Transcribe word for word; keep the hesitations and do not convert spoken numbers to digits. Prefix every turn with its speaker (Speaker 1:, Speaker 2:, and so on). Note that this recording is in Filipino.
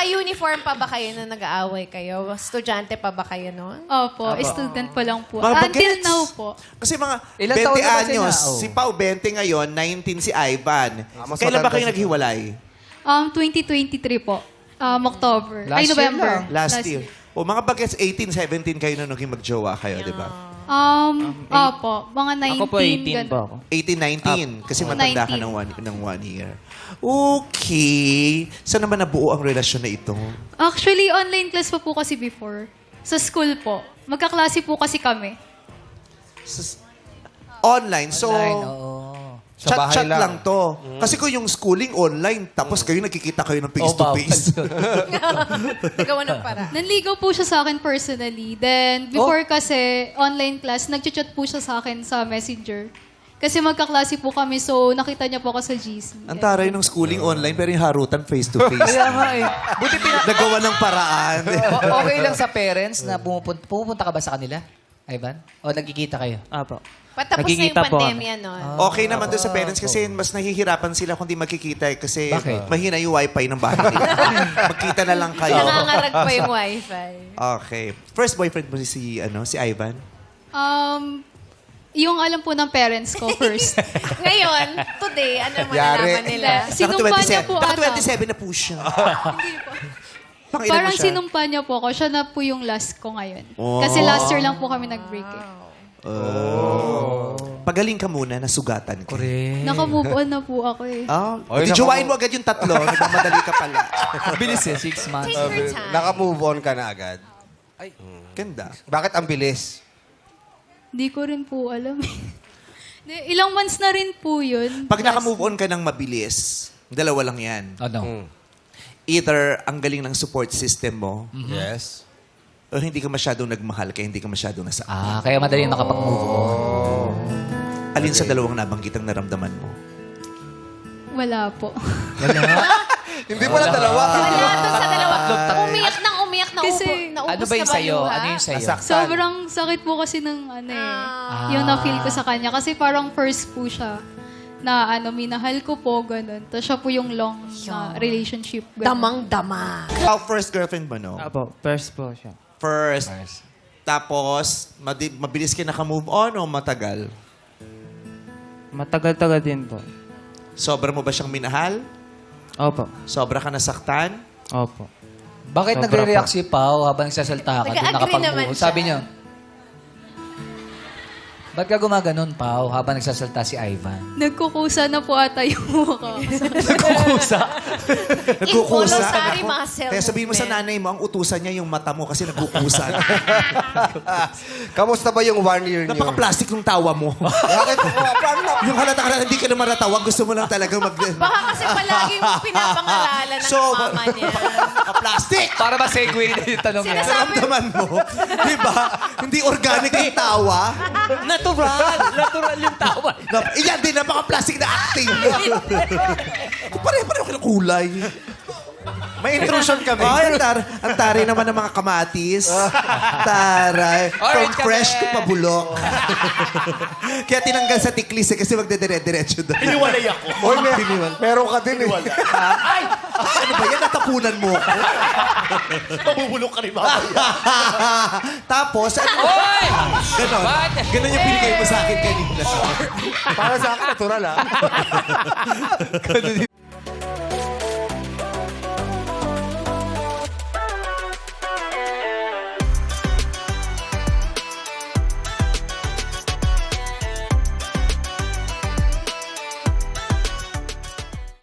Speaker 1: Naka-uniform pa ba kayo na nag-aaway kayo? Estudyante pa ba kayo noon?
Speaker 2: Opo, student pa lang po.
Speaker 3: Mga
Speaker 2: Until
Speaker 3: bagets.
Speaker 2: now po.
Speaker 3: Kasi mga
Speaker 4: Ilang
Speaker 3: twenty
Speaker 4: taon na ba sila?
Speaker 3: anyos.
Speaker 4: Oh.
Speaker 3: Si Pao, twenty ngayon, nineteen si Ivan.
Speaker 5: Ah, mas
Speaker 3: Kailan ba
Speaker 5: matanda
Speaker 3: kayo
Speaker 5: si-
Speaker 3: naghiwalay?
Speaker 2: Um, twenty twenty-three po. Um, October.
Speaker 4: Last
Speaker 2: Ay,
Speaker 4: year
Speaker 2: November.
Speaker 4: lang.
Speaker 3: Last, year. O mga bagets, eighteen, seventeen kayo na naging magjowa kayo, di ba?
Speaker 2: Um, opo. Mga nineteen.
Speaker 6: Ako po, eighteen
Speaker 2: gan-
Speaker 6: po ako.
Speaker 3: eighteen, nineteen. Kasi
Speaker 2: Oh,
Speaker 3: matanda ka
Speaker 2: nineteen.
Speaker 3: ng one, ng one year. Okay. Saan naman nabuo ang relasyon na ito?
Speaker 2: Actually, online class pa po kasi before. Sa school po. Magkaklase po kasi kami.
Speaker 3: Sa- online. So,
Speaker 4: Online, oo.
Speaker 5: Sa bahay
Speaker 3: chat-chat lang.
Speaker 5: lang.
Speaker 3: to. Kasi kung yung schooling online, tapos kayo nagkikita kayo ng
Speaker 4: Oh, bawal
Speaker 3: face-to-face.
Speaker 4: yun.
Speaker 1: Nagawa ng para.
Speaker 2: Nanligaw po siya sa akin personally. Then, before kasi, online class, nag-chat po siya sa akin sa Messenger. Kasi magkaklase po kami, so nakita niya po ako sa G C.
Speaker 3: Ang taray ng schooling online, pero yung harutan face-to-face.
Speaker 4: Kaya nga eh. Buti pina...
Speaker 3: Nagawa ng paraan.
Speaker 4: O- okay lang sa parents na pumupunta, pumupunta ka ba sa kanila, Ivan? O nagkikita kayo?
Speaker 6: Apo.
Speaker 1: Patapos na yung
Speaker 6: Nagkikita po
Speaker 1: pandemya noon.
Speaker 3: Okay naman doon sa parents kasi mas nahihirapan sila kung di magkikita eh, kasi
Speaker 4: Bakit?
Speaker 3: mahina yung wifi ng bahay nila. Magkita na lang kayo.
Speaker 1: Nangangarag pa yung wifi.
Speaker 3: Okay. First boyfriend mo si ano si Ivan?
Speaker 2: Um, yung alam po ng parents ko first.
Speaker 1: Ngayon, today, ano naman
Speaker 5: Yari.
Speaker 1: nalaman nila?
Speaker 2: Sinumpa niya po
Speaker 3: Naka
Speaker 2: ata.
Speaker 3: twenty-seven na po siya. Pang ilan
Speaker 2: Parang
Speaker 3: mo siya?
Speaker 2: sinumpa niya po ako. Siya na po yung last ko ngayon.
Speaker 3: Oh.
Speaker 2: Kasi last year lang po kami nag-break eh.
Speaker 3: Pagaling ka muna, nasugatan ka.
Speaker 2: Naka-move on na po ako eh.
Speaker 3: Ah,
Speaker 5: Oy,
Speaker 3: di
Speaker 5: naka-
Speaker 3: jowain mo agad yung tatlo. Nagmamadali ka pala.
Speaker 4: Bilis eh, six months.
Speaker 1: Take your time.
Speaker 5: Naka-move on ka na agad.
Speaker 3: Ganda.
Speaker 5: Bakit ang bilis?
Speaker 2: Hindi ko rin po alam eh. Di- Ilang months na rin po yun.
Speaker 3: Pag
Speaker 2: Last-
Speaker 3: naka-move on ka ng mabilis, dalawa lang yan.
Speaker 4: Ano?
Speaker 5: Mm.
Speaker 3: Either ang galing ng support system mo,
Speaker 5: Yes.
Speaker 3: o hindi ka masyadong nagmahal kaya hindi ka masyadong nasa.
Speaker 4: Ah, kaya madali nakapag-move on.
Speaker 3: Alin sa dalawang nabanggit ang naramdaman mo?
Speaker 2: Wala po.
Speaker 5: Hindi mo lang dalawa.
Speaker 1: Wala doon sa dalawa.
Speaker 4: Tatlong tatlo.
Speaker 1: Umiyak nang umiyak na
Speaker 2: Kasi-
Speaker 1: ubo, naubos
Speaker 4: Ano ba yung
Speaker 1: na
Speaker 4: sa'yo?
Speaker 1: luha?
Speaker 4: Ano yung sa'yo?
Speaker 5: Nasaktan.
Speaker 2: Sobrang sakit po kasi ng ano eh.
Speaker 1: Ah.
Speaker 2: Yung na-feel ko sa kanya. Kasi parang first po siya na ano, minahal ko po, ganun. Tapos siya po yung long na relationship. Ganun.
Speaker 1: Damang-dama.
Speaker 3: How first girlfriend mo, no?
Speaker 6: Apo, first po siya.
Speaker 3: First. Tapos, madi- mabilis ka naka-move on o matagal?
Speaker 6: Matagal-tagal din po.
Speaker 3: Sobra mo ba siyang minahal?
Speaker 6: Opo.
Speaker 3: Sobra ka nasaktan?
Speaker 6: Opo.
Speaker 4: Bakit
Speaker 6: Sobra
Speaker 4: nagre-react
Speaker 6: po.
Speaker 4: si Pao habang nagsasalta ka? Doon
Speaker 1: Nag-agree
Speaker 4: nakapag-move
Speaker 1: naman
Speaker 4: on?
Speaker 1: siya.
Speaker 4: Sabi niya, ba't ka gumaganon, Pao, habang nagsasalta si Ivan?
Speaker 2: Nagkukusa na po ata yung mukha.
Speaker 4: Nagkukusa.
Speaker 1: Involuntary muscle
Speaker 3: Kaya sabihin mo sa
Speaker 1: movement.
Speaker 3: nanay mo, ang utusan niya yung mata mo kasi nagkukusan.
Speaker 5: Kamusta ba yung one year niyo?
Speaker 3: Napaka-plastic ng tawa mo.
Speaker 5: Bakit? Oh, paano na?
Speaker 3: Yung halata ka na hindi ka naman natawa, gusto mo lang talagang mag...
Speaker 1: Baka kasi palaging pinapangaralan ng
Speaker 3: So,
Speaker 1: mama niya.
Speaker 3: Plastic!
Speaker 4: Para ma-segue na yung tanong niya.
Speaker 1: Sinasabi-
Speaker 3: Naramdaman mo. Di ba? Hindi organic yung tawa.
Speaker 4: Natural! Natural yung tawa.
Speaker 3: Na, iyan din, napaka-plastic na acting. Pare-pareho kayo ng kulay.
Speaker 5: May intrusion kami.
Speaker 3: Ay, ang, tar ang taray naman ng mga kamatis. Taray. From
Speaker 4: Orange
Speaker 3: fresh
Speaker 4: kami.
Speaker 3: to pabulok. Kaya tinanggal sa tiklis eh, kasi magdedire-diretso doon.
Speaker 4: Iniwalay ako.
Speaker 5: Oy, may, meron ka din eh.
Speaker 3: Ay! Ano ba yan? Natapunan mo ako.
Speaker 4: Mabubulok ka rin
Speaker 3: Tapos, ano?
Speaker 4: Oy!
Speaker 3: Ganon.
Speaker 4: Bakit?
Speaker 3: Ganon yung binigay mo sa akin kanina.
Speaker 5: Para sa akin, natural ah.